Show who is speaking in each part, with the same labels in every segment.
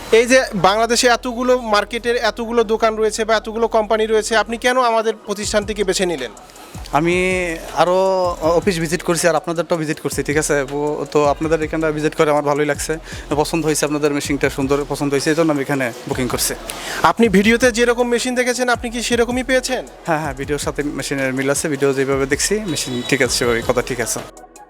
Speaker 1: এই যে বাংলাদেশে এতগুলো মার্কেটের এতগুলো দোকান রয়েছে বা এতগুলো কোম্পানি রয়েছে, আপনি কেন আমাদের প্রতিষ্ঠানটিকে বেছে নিলেন?
Speaker 2: আমি আরও অফিস ভিজিট করছি আর আপনাদেরটাও ভিজিট করছি, ঠিক আছে। তো আপনাদের এখানটা ভিজিট করে আমার ভালোই লাগছে, পছন্দ হয়েছে, আপনাদের মেশিনটা সুন্দর পছন্দ হয়েছে, এই জন্য আমি এখানে বুকিং করছি।
Speaker 1: আপনি ভিডিওতে যেরকম মেশিন দেখেছেন আপনি কি সেরকমই পেয়েছেন?
Speaker 2: হ্যাঁ হ্যাঁ, ভিডিওর সাথে মেশিনের মিল আছে, ভিডিও যেভাবে দেখছি মেশিন ঠিক আছে, সেভাবে কথা ঠিক আছে।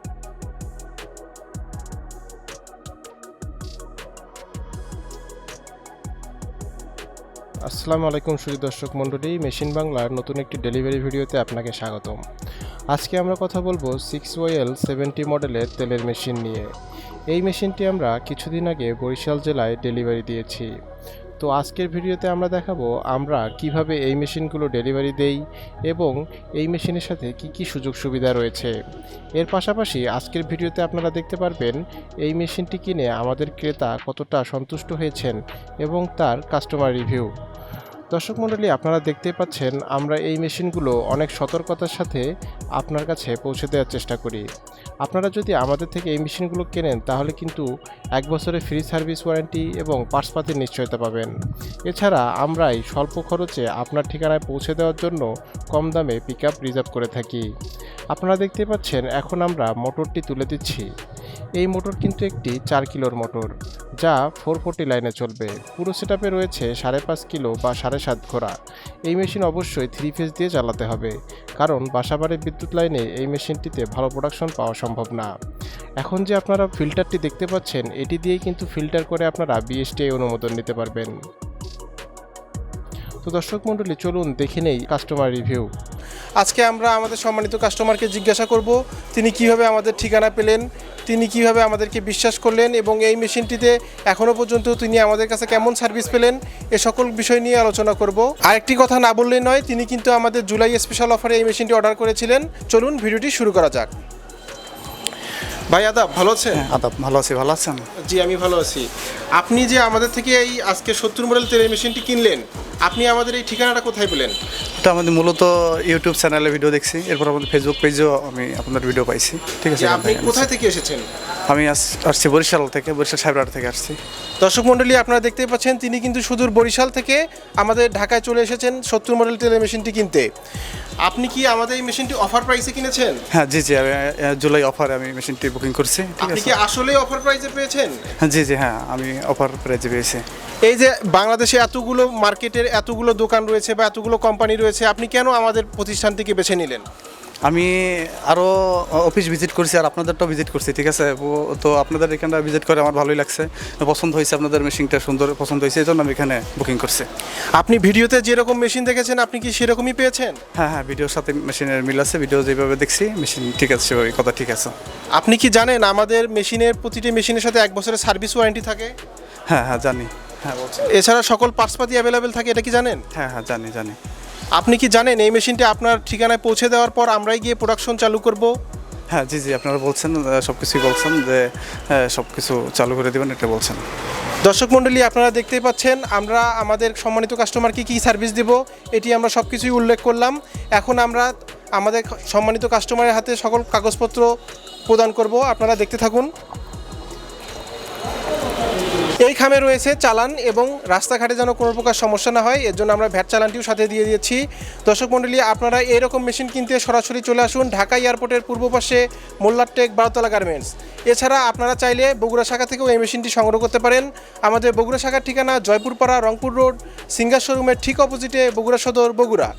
Speaker 1: আসসালামু আলাইকুম সুধী দর্শক মণ্ডলী, মেশিন বাংলার নতুন একটি ডেলিভারি ভিডিওতে আপনাকে স্বাগতম। আজকে আমরা কথা বলবো 6OL70 মডেলের তেলের মেশিন নিয়ে। এই মেশিনটি আমরা কিছুদিন আগে বরিশাল জেলায় ডেলিভারি দিয়েছি। তো আজকের ভিডিওতে আমরা দেখাবো আমরা কিভাবে এই মেশিনগুলো ডেলিভারি দেই এবং এই মেশিনের সাথে কি কি সুযোগ সুবিধা রয়েছে। এর পাশাপাশি আজকের ভিডিওতে আপনারা দেখতে পারবেন এই মেশিনটি কিনে আমাদের ক্রেতা কতটা সন্তুষ্ট হয়েছেন এবং তার কাস্টমার রিভিউ। দর্শক মণ্ডলী, আপনারা দেখতে পাচ্ছেন আমরা এই মেশিনগুলো অনেক সতর্কতার সাথে আপনার কাছে পৌঁছে দেওয়ার চেষ্টা করি। আপনারা যদি আমাদের থেকে এই মেশিনগুলো কেনেন তাহলে কিন্তু 1 বছরের ফ্রি সার্ভিস ওয়ারেন্টি এবং পার্টসপাতির নিশ্চয়তা পাবেন। এছাড়া আমরাই স্বল্প খরচে আপনার ঠিকানায় পৌঁছে দেওয়ার জন্য কম দামে পিকআপ রিজার্ভ করে থাকি। আপনারা দেখতে পাচ্ছেন এখন আমরা মোটরটি তুলে দিচ্ছি। এই মোটর কিন্তু একটি 4 কিলোর মোটর, যা 440 লাইনে চলবে। পুরো সেটআপে রয়েছে 5.5 কিলো বা 7.5 ঘোড়া। এই মেশিন অবশ্যই 3 ফেজ দিয়ে চালাতে হবে, কারণ বাসাবাড়ির বিদ্যুৎ লাইনে এই মেশিনটিতে ভালো প্রোডাকশন পাওয়া সম্ভব না। এখন যে আপনারা ফিল্টারটি দেখতে পাচ্ছেন, এটি দিয়েই কিন্তু ফিল্টার করে আপনারা বিএসটিআই অনুমোদন নিতে পারবেন। তো দর্শক মণ্ডলী, চলুন দেখে নেই কাস্টমার রিভিউ। আজকে আমরা আমাদের সম্মানিত কাস্টমারকে জিজ্ঞাসা করব তিনি কিভাবে আমাদের ঠিকানা পেলেন, তিনি কিভাবে আমাদেরকে বিশ্বাস করলেন এবং এই মেশিনটিতে এখনও পর্যন্ত তিনি আমাদের কাছে কেমন সার্ভিস পেলেন, এ সকল বিষয় নিয়ে আলোচনা করব। আরেকটি কথা না বললেই নয়, তিনি কিন্তু আমাদের জুলাই স্পেশাল অফারে এই মেশিনটি অর্ডার করেছিলেন। চলুন ভিডিওটি শুরু করা যাক। ভাই আদাব, ভালো আছেন?
Speaker 2: আদাব, ভালো আছি, ভালো আছেন?
Speaker 1: জি, আমি ভালো আছি। আপনি যে আমাদের থেকে এই আজকে 70 মডেল তেলের মেশিনটি কিনলেন, আপনি আমাদের এই ঠিকানাটা কোথায় পেলেন?
Speaker 2: এটা আমাদের মূলত ইউটিউব চ্যানেলে ভিডিও দেখছি, এরপর আমাদের ফেসবুক পেজেও আমি আপনাদের ভিডিও পাইছি, ঠিক আছে।
Speaker 1: আপনি কোথায় থেকে এসেছেন?
Speaker 2: আমি আসছি বরিশাল থেকে, বরিশাল সাহেবরাট থেকে আসছি।
Speaker 1: দর্শক মণ্ডলী, আপনারা দেখতেই পাচ্ছেন তিনি কিন্তু সুদূর বরিশাল থেকে আমাদের ঢাকায় চলে এসেছেন 70 মডেল তেলের মেশিনটি কিনতে। আপনি কি আমাদের এই মেশিনটি অফার প্রাইসে কিনেছেন?
Speaker 2: হ্যাঁ জি জি, আমি জুলাই অফারে আমি মেশিনটি বুকিং করছি, ঠিক
Speaker 1: আপনি
Speaker 2: আছে।
Speaker 1: কি আসলেই অফার প্রাইসে পেয়েছেন?
Speaker 2: হ্যাঁ জি জি, হ্যাঁ আমি অফার প্রাইজে পেয়েছি।
Speaker 1: এই যে বাংলাদেশে এতগুলো মার্কেটের এতগুলো দোকান রয়েছে বা এতগুলো কোম্পানি রয়েছে, আপনি কেন আমাদের প্রতিষ্ঠানটিকে বেছে নিলেন?
Speaker 2: আমি আরও অফিস ভিজিট করছি আর আপনাদেরটাও ভিজিট করছি, ঠিক আছে। তো আপনাদের এখানটা ভিজিট করে আমার ভালোই লাগছে, পছন্দ হয়েছে, আপনাদের মেশিনটা সুন্দর পছন্দ হয়েছে, এই জন্য আমি এখানে বুকিং করছি।
Speaker 1: আপনি ভিডিওতে যেরকম মেশিন দেখেছেন আপনি কি সেরকমই পেয়েছেন?
Speaker 2: হ্যাঁ হ্যাঁ, ভিডিওর সাথে মেশিনের মিল আছে, ভিডিও যেভাবে দেখছি মেশিন ঠিক আছে, সেভাবে কথা ঠিক আছে।
Speaker 1: আপনি কি জানেন আমাদের মেশিনের প্রতিটি মেশিনের সাথে 1 বছরের সার্ভিস ওয়ারেন্টি থাকে?
Speaker 2: হ্যাঁ হ্যাঁ জানি, হ্যাঁ বলছি।
Speaker 1: এছাড়া সকল পার্টসপাতি অ্যাভেলেবেল থাকে, এটা কি জানেন?
Speaker 2: হ্যাঁ হ্যাঁ জানি জানি।
Speaker 1: আপনি কি জানেন এই মেশিনটি আপনার ঠিকানায় পৌঁছে দেওয়ার পর আমরাই গিয়ে প্রোডাকশন চালু করব?
Speaker 2: হ্যাঁ জি জি, আপনারা বলছেন, সব কিছুই বলছেন যে সব কিছু চালু করে দেবেন, এটা বলছেন।
Speaker 1: দর্শক মণ্ডলী, আপনারা দেখতেই পাচ্ছেন আমরা আমাদের সম্মানিত কাস্টমারকে কী সার্ভিস দেব এটি আমরা সব কিছুই উল্লেখ করলাম। এখন আমরা আমাদের সম্মানিত কাস্টমারের হাতে সকল কাগজপত্র প্রদান করব, আপনারা দেখতে থাকুন। এই খামে রয়েছে চালান এবং রাস্তাঘাটে যেন কোনো প্রকার সমস্যা না হয় এর জন্য আমরা ভ্যাট চালানটিও সাথে দিয়ে দিয়েছি। দর্শক মণ্ডলী, আপনারা এরকম মেশিন কিনতে সরাসরি চলে আসুন ঢাকা এয়ারপোর্টের পূর্ব পাশে মোল্লারটেক 12তলা গার্মেন্টস। এছাড়া আপনারা চাইলে বগুড়া শাখা থেকেও এই মেশিনটি সংগ্রহ করতে পারেন। আমাদের বগুড়া শাখার ঠিকানা জয়পুরপাড়া, রংপুর রোড, সিঙ্গার শোরুমের ঠিক অপোজিটে, বগুড়া সদর, বগুড়া।